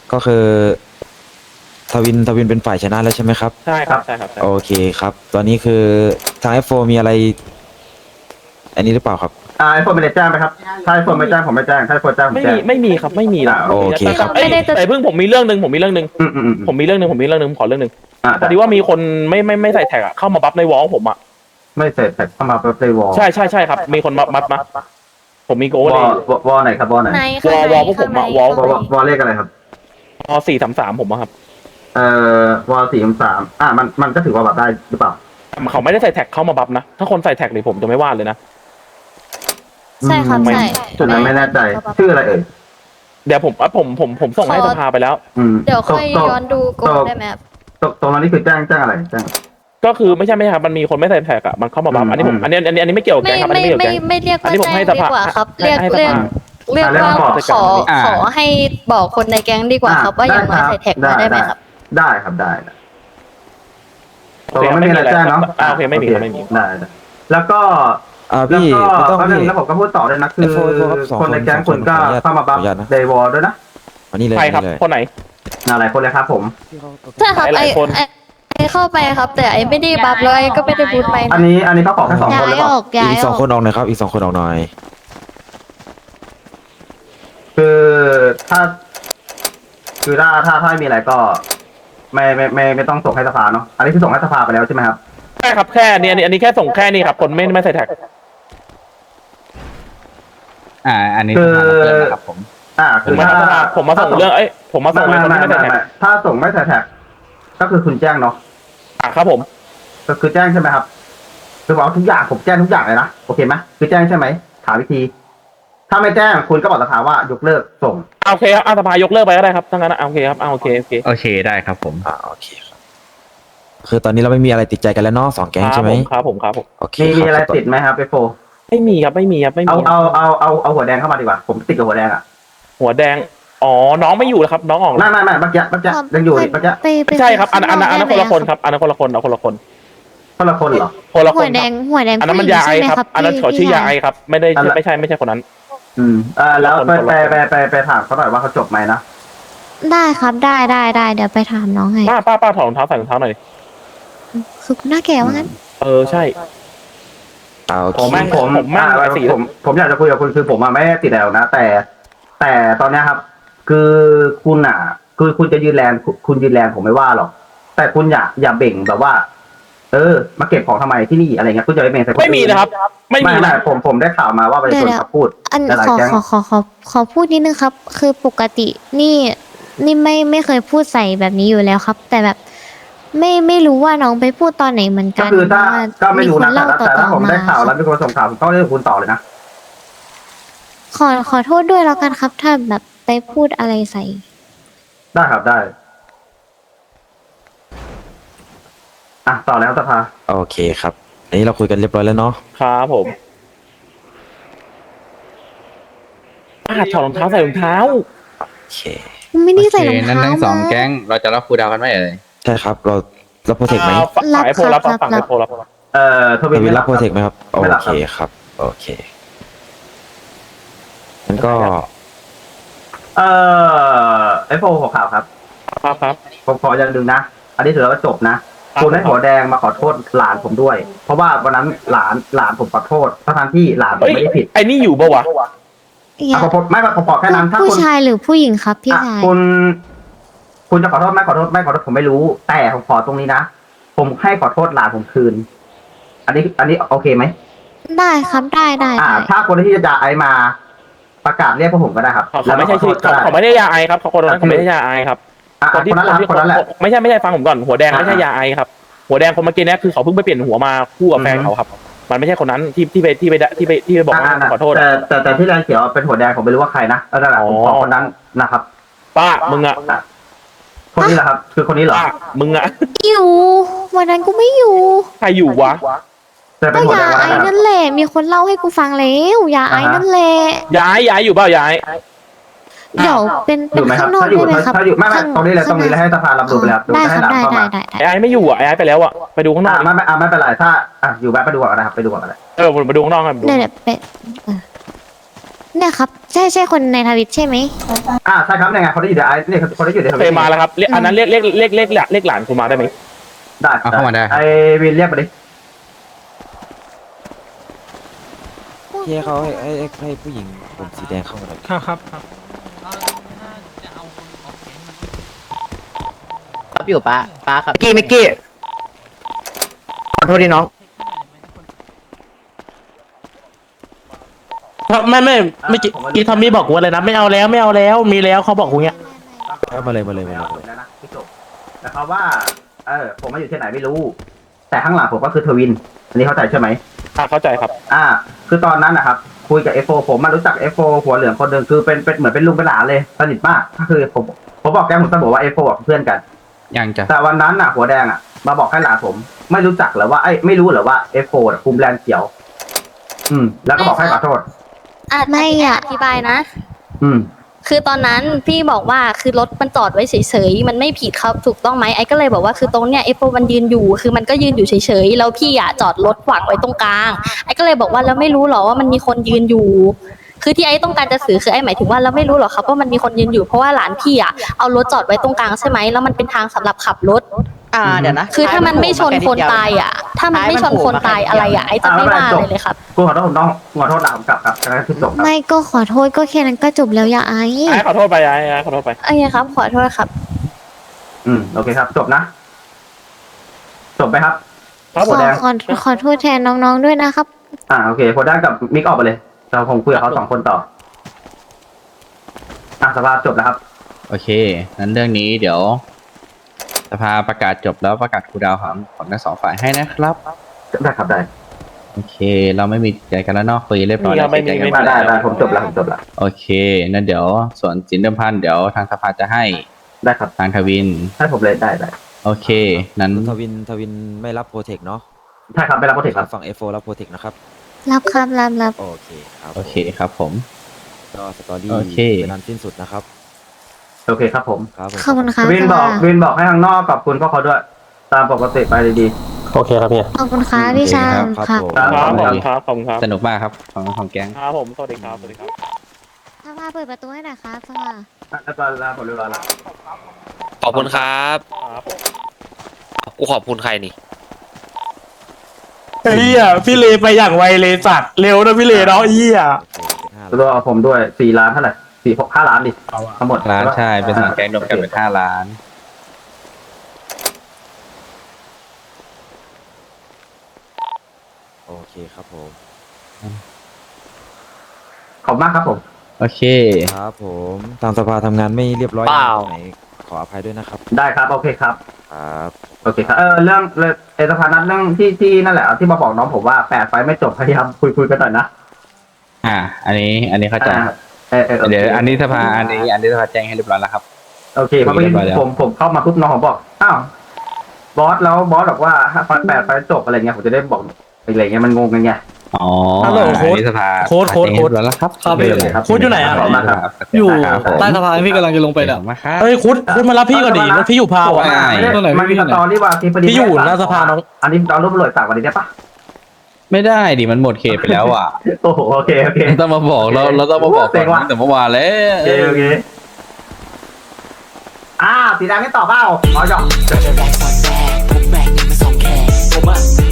ก็คือทวินเป็นฝ่ายชนะแล้วใช่ไหมครับใช่ครับใช่ครับใช่โอเคครับ ตอนนี้คือทาง F4 มีอะไร อันนี้หรือเปล่าครับไอโฟนไม่ได้แจ้งไหมครับถ้าไอโฟนไม่แจ้งผมไม่แจ้งถ้าไอโฟนแจ้งผมไม่แจ้มีงไม่มีครับไม่มีนะโอเคแต่ครับเอ้ยไม่ได้จะแต่เพิ่งผมมีเรื่องหนึ่งผมมีเรื่องหนึ่งอืมผมมีเรื่องหนึ่งขอเรื่องหนึ่งอ่าพอดีว่ามีคนไม่ใส่แท็กอะเข้ามาบัฟในวอลผมอะไม่เสร็จแต่เข้ามาเปวอลใช่ครับมีคนบัฟมาผมมีโกวเลอย ลวอลไหนครับวอลไหนในข้างในวอลพวกผมอะข้างในวอลข้างในวอลเลขอะไรครับพอ433ผมอะครับวอล4 3มันก็ถือว่าแบบได้หรือเปล่าเขาไม่ได้ใส่แท็กเข้ามาบัฟนะถ้าคนใส่แท็กนี่ผมจะไม่ว่าเลยนะใช่ครับไม่ใช่จุดนั้นไม่แน่ใจชื่ออะไรเอ่ยเดี๋ยวผมส่งให้สภาไปแล้วเดี๋ยวค่อยย้อนดูโกได้ไหมครับตรงนั้นนี่คือแจ้งอะไรแจ้งก็คือไม่ใช่ครับมันมีคนไม่ใส่แท็กอะมันเข้ามาบัฟอันนี้ผมอันนี้ไม่เกี่ยวกับแกไม่งครับอันไม่นี้ไม่เกี่ยวกับแกงไม่เรียกอันว่านี้ผมแจ้งให้สดีภากว่าครับให้เรียกให้สภาเรียกว่าบอกขอให้บอกคนในแก๊งดีกว่าครับว่าอย่างน้อยใส่แท็กมาได้ไหมครับได้ครับได้ตกลงไม่มีอะไรแจ้งเนาะโอเคไม่มีครับไม่มีได้แล้วก็พี่คุณต้องแล้วพี่แล้วผมก็พูดต่อด้วยนะคือ F4 ครับสองคนในแก๊งคุณก็ขออนุญาตเข้ามาบัฟขออนุญาตนะเดย์วอลด้วยนะอันนี้เลยใครครับนี่เลยคนไหนหลายคนเลยครับผมใช่ครับหลายคนไอเข้าไปครับ แต่ไอไม่ได้บัฟเลยก็ไม่ได้บูทไปอันนี้เขาขอแค่2 คนหรือเปล่าย้ายอีกอสออง กคนออกหน่อยครับ อีก2 คนออกหน่อยคือถ้ามีอะไรก็ ไม่ต้องส่งให้สภาเนาะอันนี้คือส่งให้สภาไปแล้วใช่ไหมครับใช่ครับแค่อันนี้แค่ส่งแค่นี้ครับคนไม่ใส่แท็กอันนี้คือสภามาเพิ่มนะครับผมคือผมมาส่งเรื่องผมมาส่งเรื่องคนที่ไม่ใส่แท็กถ้าส่งไม่ใส่แท็กก็คือคุณแจ้งเนาะครับผมก็คือแจ้งใช่ไหมครับคือบอกทุกอย่างผมแจ้งทุกอย่างเลยนะโอเคไหมคือแจ้งใช่ไหมถามวิธี ถ้าไม่แจ้งคุณก็บอกสภาว่ายกเลิกส่งโอเคครับสภายกเลิกไปก็ได้ครับทั้งนั้นโอเคครับโอเคโอเคได้ครับผมโอเคครับ คือตอนนี้เราไม่มีอะไรติดใจกันแล้วเนาะ2 แก๊งใช่ไหมครับผมโอเคมีคบอะไรติดไหมครับไปโฟไม่มีครับไม่มีเอาหัวแดงเข้ามาดีกว่าผมติดกับหัวแดงอ่ะหัวแดงอ๋อน้องไม่อยู่แล้วครับน้องออกแล้วไม่เมื่อกี้ยังอยู่เมื่อกี้ไปใช่ครับอันนั้นคนละคนครับอันนั้นคนละคนเอาคนละคนคนละคนเหรอคนละคหัวน แดงหัวแดงอันนั้นมันผู้หญิยาง ไอใช่ไหมครับครับอันนั้นเขาชื่อยาไอครับไม่ได้ไม่ใช่คนนั้นแล้วไปถามเขาหน่อยว่าเขาจบไหมนะได้ครับได้เดี๋ยวไปถามน้องให้ป้าถอดรองเท้าใส่รองเท้าหน่อยคือหน้าแก่ว่างั้นใช่โอเคผมแม่งผมอยากจะคุยกับคุณคือผมไม่ได้ติดแล้วนะแต่ตอนนี้ครับ คือคุณคือคุณจะยืนแรงคุณยืนแรงผมไม่ว่าหรอกแต่คุณอย่าเบ่งแบบว่า มาเก็บของทำไมที่นี่อะไรเงี้ยคุณจะไปเบ่งใส่คนอื่นไม่มีนะครับ ไม่มีไม่นะผมได้ข่าวมาว่าประชาชนเขาพูดอันหลายขอแก๊งขอพูดนิดนึงครับ คือปกตินี่ไม่เคยพูดใส่แบบนี้อยู่แล้วครับ แต่แบบไม่รู้ว่าน้องไปพูดตอนไหนเหมือนก็กันคือถ้าว่าก็ไม่รู้นะคนเล่าแต่ถ้าผมมาได้ข่าวแล้วมีคนส่งข่าวผมก็เรื่องคุณต่อเลยนะขอโทษด้วยแล้วกันครับ ถ้าแบบไปพูดอะไรใส่ได้ครับได้ต่อแล้วสภาโอเคครับ อันนี้เราคุยกันเรียบร้อยแล้วเนาะครับผมถอดรองเท้าใส่รองเท้าโอเคไม่ได้โอใส่เครองนั้นเท้าทั้งสองมาแก๊งเราจะรับครูดาวกันไหมเอ่ยใช่ครับ เราโปรเทคไหมฝั่งไอโพรับฝั่งไอโพรับทวิทนวินไม่รับโปรเทคไหมครับ โอไม่รับเคครับ โอเคงั้นก็ไอโฟหัวข่าวครับครับผมขออย่างหนึ่งนะ อันนี้ถือว่าจบนะครับคุณให้หัวแดงมาขอโทษหลานผมด้วย เพราะว่าวันนั้นหลานผมขอโทษทั้งที่หลานผมไม่ได้ผิดไอ้นี่อยู่ปะวะอย่าผมขอแค่นั้นถ้าผู้คุณชายหรือผู้หญิงครับพี่ชายคุณจะขอโทษไม่ขอโทษผมไม่รู้ แต่ผมขอตรงนี้นะ ผมให้ขอโทษหลานผมคืน อันนี้โอเคไหมได้ครับได้ถ้าคนที่จะไอมาประกาศเรียกพวกผมก็ได้ครับเขาไม่ใช่ชื่อเขาไม่ได้ยาไอครับเขาคนนั้นเขาไม่ได้ยาไอครับคนนั้นแหละไม่ใช่ฟังผมก่อนหัวแดงไม่ใช่ยาไอครับหัวแดงคนเมื่อกี้นี้คือเขาเพิ่งไปเปลี่ยนหัวมาคู่กับแฟนเขาครับ มันไม่ใช่คนนั้นที่ไปบอกว่าขอโทษแต่ที่แรงเขียวเป็นหัวแดงผมไม่รู้ว่าใครนะแล้วนั่นแหละผมขอคนนั้นนะครับป้ามึงอะคนนี้แหละครับ คือคนนี้เหรอป้ามึงอะอยู่วันนั้นกูไม่อยู่ใครอยู่วะแต่เป็ก็นหัวยาแดงไอแล้วนะนั่นแหละมีคนเล่าให้กูฟังแล้วยาไอนั่นแหละย้ายอยู่เปล่าย้ายเดี๋ยวเป็นอยู่ไหมครับข้างนอกถ้าอยู่ได้ไหมครับถ้าอยู่ไม่ตรงนี้เลยให้สภารับรู้ไปแล้วได้ให้ครับหลานได้เข้ามาได้ไอ้ไม่อยู่อ่ะไอ้ไปแล้วอ่ะไปดูข้างนอกไม่เป็นไรถ้าอยู่แวะไปดูก่อนนะครับไปดูก่อนอะไรมาดูข้างนอกกันเดี๋ยวไปเนี่ยครับใช่คนในทวิตใช่ไหมใช่ครับยังไงเขาได้อยู่ในไอเนี่ยเขาได้อยู่ในทเควิยตมาแล้วครับอันนั้นเรียกหลานคุณมาได้ไหมได้เอาเข้ามาได้ครับไอวินเรียกมาดิที่ให้เขาให้ผู้หญิงผมสีแดงเข้ามาหน่อยครับครับอยู่ป้าครับมิกกี้ขอโทษดีน้องไม่กี้ทอมมี่บอกกูอะไรนะไม่เอาแล้วมีแล้วเขาบอกกูเงี้ยมาเลยแล้วนะพี่จบแต่เขาว่าผมมาอยู่ที่ไหนไม่รู้ แต่ข้างหลังผมก็คือทวินอันนี้เข้าใจใช่ไหมเข้าใจครับคือตอนนั้นนะครับคุยกับ F4 ผมมารู้จัก F4 หัวเหลืองคนหนึ่งคือเป็นเหมือนเป็นลุงเป็นหลานเลยสนิทมากก็คือผมบอกแกผมเสมอว่า F4 เพื่อนกันยังจะแต่วันนั้นหัวแดงมาบอกให้หลานผม ไม่รู้จักหรือว่าไม่รู้หรือว่า F4 คุมแลนด์เขียว แล้วก็บอกให้ขอโทษไม่อะอธิบายนะอืมคือตอนนั้นพี่บอกว่าคือรถมันจอดไว้เฉยๆมันไม่ผิดครับถูกต้องไหมไอ้ก็เลยบอกว่าคือตรงเนี้ยไอ้โฟมันยืนอยู่คือมันก็ยืนอยู่เฉยๆแล้วพี่จอดรถขวางไว้ตรงกลางไอ้ก็เลยบอกว่าแล้วไม่รู้หรอว่ามันมีคนยืนอยู่ คือที่ไอ้ต้องการจะสื่อคือไอ้หมายถึงว่าเราไม่รู้หรอกครับว่ามันมีคนยืนอยู่เพราะว่าหลานพี่เอารถจอดไว้ตรงกลางใช่ไหมแล้วมันเป็นทางสำหรับขับรถเดี๋ยวนะคือถ้ามันไม่ชนคนตายถ้ามันไม่ชนคนตายอะไรไอ้จะไม่ว่าเลยครับกูขอโทษผมต้องขอโทษหลานผมกลับครับแล้วคือจบครับไม่ก็ขอโทษก็แค่นั้นก็จบแล้วอย่าไอขอโทษไปขอโทษไปโอเคครับขอโทษครับโอเคครับ จบนะ จบไหมครับครับหัวแดงขอโทษแทนน้องๆด้วยนะครับโอเคหัวแดงกับมิกออกไปเลยเราผมคุยกับเขา2 คนต่อสภาพจบแล้วครับโอเคนั้นเรื่องนี้เดี๋ยวสภาประกาศจบแล้วประกาศครูดาวของทั้งสองฝ่ายให้นะครับได้ครับได้โอเค เราไม่มีใจกันแล้วเนอกคุยเรียบร้อยแล้วไม่เสียมีใจกันได้ผมจบแล้วผมจบแล้วโอเคนั่นเดี๋ยวส่วนสินเดิมพันเดี๋ยวทางสภาจะให้ได้ครับทางทวินให้ผมเลยได้โอเค นั้นทวินไม่รับโปรเทคเนาะใช่ครับไม่รับโปรเทคครับฝั่ง F4 รับโปรเทคนะครับรับครับรับโอเคครับโอเคครับผมก็สตอรี่โอเคเป็นอันสิ้นสุดนะครับโอเคครับผมครับผมขอบคุณครับวินบอกให้ทางนอกขอบคุณพวกเขาด้วย ตามปกติไปดีโอเคครับเนี่ยขอบคุณครับพี่ชามครับครับผมครับผมครับสนุกมากครับของแก๊งครับผมสวัสดีครับสภาเปิดประตูให้หน่อยครับสภาๆแล้วก็ลาผมเรียบร้อยแล้วขอบคุณครับครับกูขอบคุณใครนี่พี่เลไปอย่างไวเลยสัตว์เร็วนะพี่เลเนาะเป็นห้าตัวเอาผมด้วย4 ล้านเท่าไหร่5 ล้านดิทั้งหมดร้านใช่เป็นสองแก๊งรวมกันเป็น5 ล้านโอเคครับผมขอบมากครับผมโอเคครับผมทางสภาทำงานไม่เรียบร้อยเปล่าตรงไหนขออภัยด้วยนะครับได้ครับโอเคครับครับโอเคครับเรื่องสภานัดเรื่องที่นั่นแหละที่มาบอกน้องผมว่า8 ไฟล์ไม่จบพยายามคุยกันหน่อยนะอันนี้เข้าใจ เดี๋ยวอันนี้สภาอันนี้สภาแจ้งให้เรียบร้อยแล้วครับโอเคเพราะเมื่อกี้ผมเข้ามาปุ๊บน้องผมบอกบอสแล้วบอสบอกว่าถ้า8 ไฟล์จบอะไรเงี้ยผมจะได้บอกอะไรเงี้ยมันงงกันไงอ๋อฮัลโหลอันนี้สภาโค้ดแจ้งให้เรียบร้อยแล้วครับครับไม่เป็นไรครับโค้ดอยู่ไหนอะขอบคุณครับอยู่ครับผมใต้สะพานพี่กำลังจะลงไปเนี่ยขอบคุณมากครับเฮ้ยคุณมารับพี่ก่อนดิรถพี่อยู่พาวอ่ะได้มันมีสตอรี่ว่าที่ประเด็นพี่อยู่หน้าสภาน้องอันนี้เรารูปตำรวจฝากวันนี้ได้ปะไม่ได้ดิมันหมดเขตไปแล้วอ่ะโอ้โหโอเคต้องมาบอกเราต้องมาบอกเซ็งว่ะตั้งแต่เมื่อวานแล้วโอเคสีแดงไม่ตอบเปล่าอ๋อหยอกแรกตอนแรกพวกแรงนี่มันสองแขนผมอะ